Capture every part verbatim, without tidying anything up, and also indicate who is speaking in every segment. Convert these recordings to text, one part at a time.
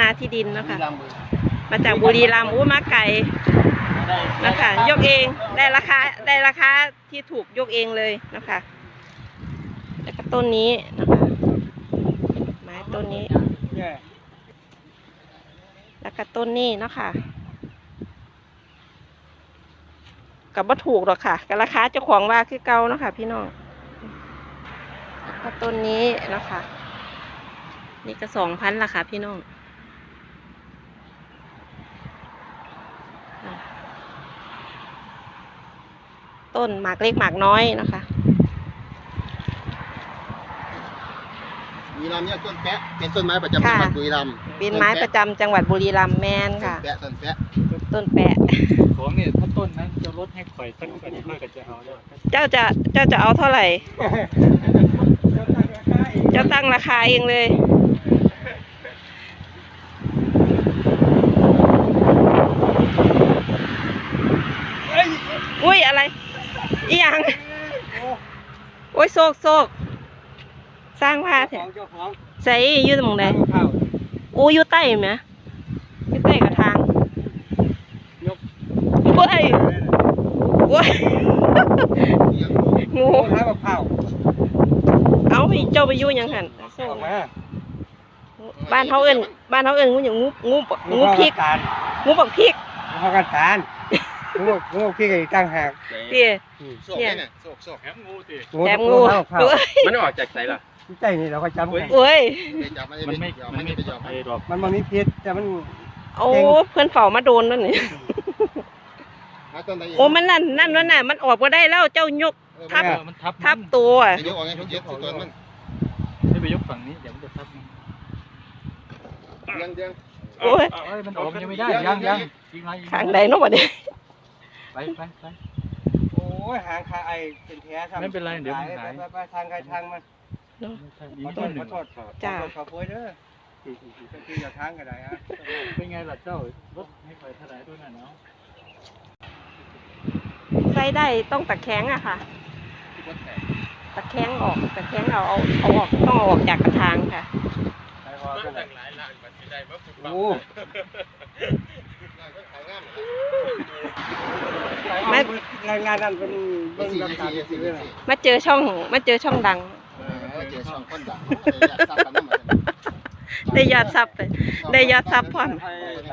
Speaker 1: ที่ดินนะคะมาจากบุรีรัมย์อู้มาไก่นะคะยกเองได้ราคาได้ราคาที่ถูกยกเองเลยนะคะแล้วก็ต้นนี้นะคะไม้ต้นนี้แล้วก็ต้นนี้นะคะกับว่าถูกหรอกค่ะกับราคาเจ้าของว่าคือเก่าเนาะค่ะพี่น้องแล้วก็ต้นนี้นะคะนี่ก็สองพันละค่ะพี่น้องต้นหมากเล็กหมากน้อยนะคะ
Speaker 2: บุรีรัมย์เนี่ยต้นแปะเป็นต้นไม้ประจำจังหวัดบุรีรัมย์
Speaker 1: เป็นไม้ประจำจังหวัดบุรีรัมย์แมนค่ะ
Speaker 2: ต้นแปะต้นแปะ
Speaker 1: ต้นแปะ
Speaker 3: ของเนี่ยถ้าต้นนั้นจะลดให้ข่อยสักกันเพื่อกันจะเอาแล้ว
Speaker 1: เจ้าจะเจ้าจะเอาเท่าไหร่เจ้าตั้งราคาเองเลยอุ้ยอะไรอีหยังโอ้ยโซกโซกสร้างผ้าแถใส่ยืดมองใดโอ้ยยืดใต้ไหมยืดใต้กระทางโอ้ยโอ้ยงูเอาไปเจ้าไปยุ่งยังหันบ้านเขาเอิญบ้านเขาเอิญงูอย่างงูงูงูพริกงูปักพริก
Speaker 4: งูกันตาลงูงูพริกอีกตั้งหาก
Speaker 1: เตี้ย
Speaker 2: เนี่ยโศกโศก
Speaker 3: แถมงูติ
Speaker 1: แถมงู
Speaker 3: มันออกจากไหนล่ะ
Speaker 4: ใจนี่เราก็จำ
Speaker 1: โอ้ย
Speaker 3: มันไม่มันไม่ไปจับไอ้ดอก
Speaker 4: มันมันมีพิษแต่มัน
Speaker 1: โอ้เพื่อนเฝ้ามาโดนนั่นนี่โอ้มันนั่นนั่นนั่นน่ะมันออกมาได้แล้วเจ้ายกทับทับตัว
Speaker 2: ยกออกไงยกตัวมัน
Speaker 3: ไม่ไปยกฝั่งนี้เดี๋ยวมันจะทับ
Speaker 2: ยังยัง
Speaker 1: โอ้ย
Speaker 3: มันออกยังไม่ได้ยังยัง
Speaker 1: ทางใดเนาะวะเนี่ย
Speaker 3: ไปไปไป
Speaker 4: โอ้ยหางคาไอเป็นแผลทำ
Speaker 3: ไม่เป็นไรเดี๋ยวมันหาย
Speaker 4: ไปทางใครทางมันขอโทษขอโทษจ้าขอโทษเด้อคืออย่าทางกันได้ฮะ
Speaker 3: เป็นไงล่ะเจ้ารถให้คอยถลายด้วยน่ะเนาะ
Speaker 1: ใส่ได้ต้องตะแคงอะค่ะตะแคงออกตะแคงเอาเอาเอาออกต้องเอาออกจากกระถางค่ะ
Speaker 4: โอ้มางานงานนั้นเป็นเบื้องหลังการสิเว้ย
Speaker 1: มาเจอช่องมาเจอช่องดัง
Speaker 2: เจอช่องคนดัง
Speaker 1: ได้ยอดซับได้ยอดซับพร้อม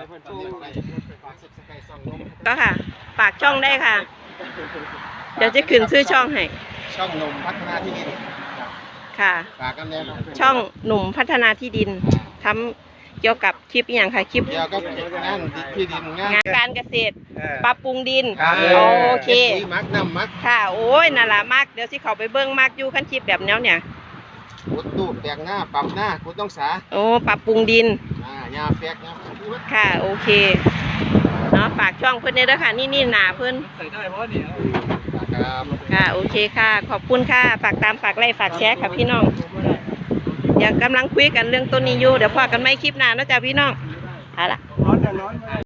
Speaker 1: ก็ค่ะฝากช่องได้ค่ะเดี๋ยวจะขึ้นชื่อช่องให้
Speaker 2: ช่องหนุ่มพัฒนาที่ดิน
Speaker 1: ค่ะ
Speaker 2: ฝากกันแน่
Speaker 1: ช่องหนุ่มพัฒนาที่ดินทำเกี่ยวกับคลิปอย่างค่ะคลิป
Speaker 2: เกี่ยวกับงานที่ดิน
Speaker 1: งานการเกษตรปรับปรุงดินโอเค
Speaker 2: มักน้ำมัก
Speaker 1: ค่ะโอ้ยนั่นแหละมักเดี๋ยวสิเขาไปเบิ้งมักอยู่ขั้นคลิปแบบแนวเนี่ย
Speaker 2: ขุดตูดแตกหน้าปรับหน้าขุดต้องสา
Speaker 1: โอ้ปรับปรุงดิน
Speaker 2: อ่ายาแฟกนะ
Speaker 1: ค่ะโอเคเนาะฝากช่องเพื่อนได้ด้วยค่ะนี่นี่หนาเพื่อน
Speaker 3: ใส่ได้เพราะเนี่ย
Speaker 1: ค่ะโอเคค่ะขอบคุณค่ะฝากตามฝากไลค์ฝากแชร์ค่ะพี่น้องเดี๋ยวกำลังคุยกันเรื่องต้นนี้อยู่เดี๋ยวพอกันไม่คลิปหน้านะจ๊ะพี่น้องเอาละ